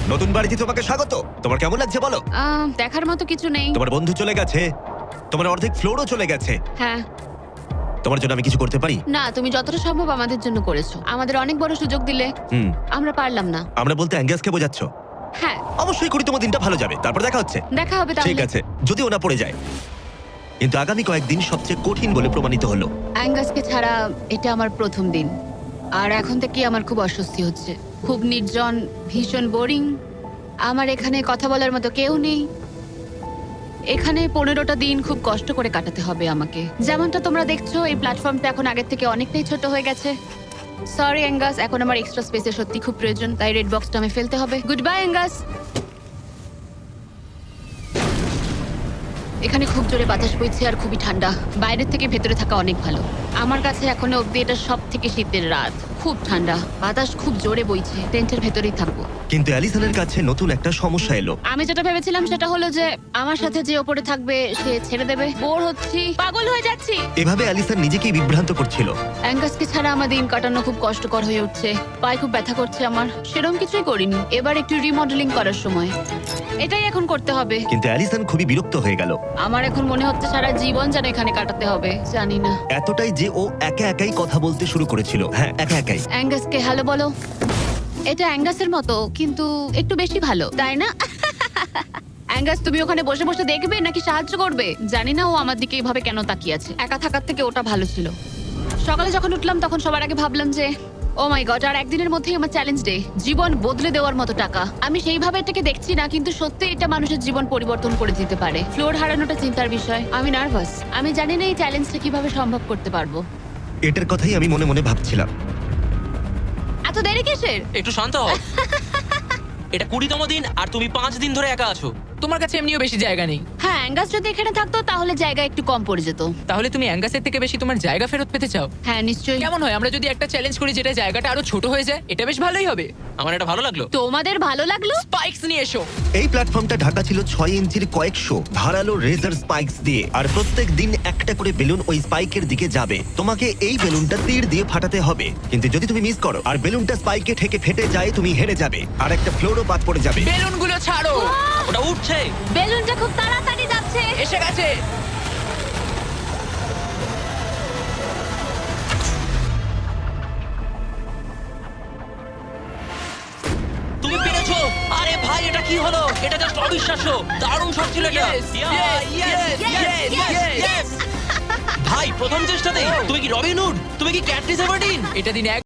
নতুন বাড়িতে তোমাকে স্বাগত। তোমার কেমন লাগছে বলো? দেখার মতো কিছু নেই। তোমার বন্ধু চলে গেছে, তোমার অর্ধেক ফ্লোরও চলে গেছে। হ্যাঁ। তোমার জন্য আমি কিছু করতে পারি? না, তুমি যতটা সম্ভব আমাদের জন্য করেছো। আমাদের অনেক বড় সুযোগ দিলে, হুম। আমরা পারলাম না। আমরা বলতে অ্যাঙ্গাসকে বোঝাচ্ছ? হ্যাঁ। অবশ্যই করি, তোমার দিনটা ভালো যাবে। তারপর দেখা হচ্ছে। দেখা হবে তাহলে। ঠিক আছে, যদি ওনা পড়ে যায়। কিন্তু আগামী কয়েকদিন সবচেয়ে কঠিন বলে প্রমাণিত হলো। অ্যাঙ্গাসকে ছাড়া এটা আমার প্রথম দিন, আর এখন থেকে আমার খুব অস্বস্তি হচ্ছে। খুব নির্জন, ভীষণ বোরিং। আমার এখানে কথা বলার মতো কেউ নেই। এখানে 15টা দিন খুব কষ্ট করে কাটাতে হবে আমাকে। যেমনটা তোমরা দেখছো, এই প্ল্যাটফর্মটা এখন আগের থেকে অনেকটাই ছোট হয়ে গেছে। সরি অ্যাঙ্গাস, এখন আমার এক্সট্রা স্পেসের সত্যি খুব প্রয়োজন, তাই রেড বক্সটা আমি ফেলতে হবে। Good bye Angus. এখানে খুব জোরে বাতাস বইছে আর খুবই ঠান্ডা। বাইরের থেকে ভেতরে থাকা অনেক ভালো। আমার কাছে এখনো অব্দি এটা সব থেকে শীতের রাত। খুব ঠান্ডা, বাতাস খুব জোরে বইছে। টেন্টের ভেতরেই থাকবো। কিন্তু অ্যালিসনের কাছে নতুন একটা সমস্যা এলো। আমি যেটা ভেবেছিলাম সেটা হলো যে আমার সাথে যে ওপরে থাকবে সে ছেড়ে দেবে। বোর হচ্ছি, পাগল হয়ে যাচ্ছি। এভাবে অ্যালিসন নিজেকেই বিভ্রান্ত করছিল। অ্যাঙ্গাসকে ছাড়া আমার দিন কাটানো খুব কষ্টকর হয়ে উঠছে। পায়ে খুব ব্যথা করছে আমার। সেরকম কিছুই করিনি। এবার একটু রিমডেলিং করার সময়। এটাই এখন করতে হবে। কিন্তু অ্যালিসন খুবই বিরক্ত হয়ে গেল। আমার এখন মনে হচ্ছে সারা জীবন যেন এখানে কাটাতে হবে। জানি না। এতটাই যে ও একা একাই কথা বলতে শুরু করেছিল। হ্যাঁ, একা একাই। অ্যাঙ্গাসকে হ্যালো বলো। এটা অ্যাঙ্গাসের মতো, কিন্তু একটু বেশি ভালো, তাই না? অ্যাঙ্গাস, তুমি ওখানে বসে বসে দেখবে নাকি সাহায্য করবে? জানি না ও আমার দিকে এইভাবে কেন তাকিয়ে আছে। একা থাকার থেকে ওটা ভালো ছিল। সকালে যখন উঠলাম তখন সবার আগে ভাবলাম যে ও মাই গড, আর একদিনের মধ্যেই আমার চ্যালেঞ্জ ডে। জীবন বদলে দেওয়ার মতো টাকা। আমি সেইভাবে এটাকে দেখছি না, কিন্তু সত্যি এটা মানুষের জীবন পরিবর্তন করে দিতে পারে। ফ্লোর হারানোটা চিন্তার বিষয়। আমি নার্ভাস। আমি জানি না এই চ্যালেঞ্জটা কিভাবে সম্ভব করতে পারবো। এটার কথাই আমি মনে মনে ভাবছিলাম। এত দেরি কিসের? একটু শান্ত হও। এটা 20তম দিন আর তুমি 5 দিন ধরে একা আছো। তোমার কাছে এমনিও বেশি জায়গা নেই। হ্যাঁ, অ্যাঙ্গাস যদি এখানে থাকতো তাহলে জায়গা একটু কম পড়ে যেত। তাহলে তুমি অ্যাঙ্গাসের থেকে বেশি তোমার জায়গা ফেরত পেতে চাও? হ্যাঁ, নিশ্চয়ই। কেমন হয় আমরা যদি একটা চ্যালেঞ্জ করি যেটা জায়গাটা আরো ছোট হয়ে যায়? এটা বেশ ভালোই হবে। আমার এটা ভালো লাগলো। তোমাদের ভালো লাগলো? স্পাইকস নিয়ে এসো। এই প্ল্যাটফর্মটা ঢাকা ছিল 6 ইঞ্চির কয়েকশো ধারালো রেজার স্পাইকস দিয়ে। আর প্রত্যেক দিন একটা করে বেলুন ওই স্পাইকের দিকে যাবে। তোমাকে এই বেলুনটা তীর দিয়ে ফাটাতে হবে। কিন্তু যদি তুমি মিস করো আর বেলুনটা স্পাইকে ঠেকে ফেটে যায়, তুমি হেরে যাবে আর একটা ফ্লোরও বাদ পড়ে যাবে। বেলুনগুলো ছাড়ো। ওটা উঠছে। বেলুনটা খুব তাড়াতাড়ি যাচ্ছে। এসে গেছে। তুমি পেরেছো। আরে ভাই, এটা কি হলো? এটা জাস্ট অবিশ্বাস্য। দারুণ শট ছিল এটা। Yes, yes, yes, yes, yes. ভাই, প্রথম চেষ্টাতেই তুমি কি রবিন হুড? তুমি কি ক্যাটরিস এভারডিন? এটা দিন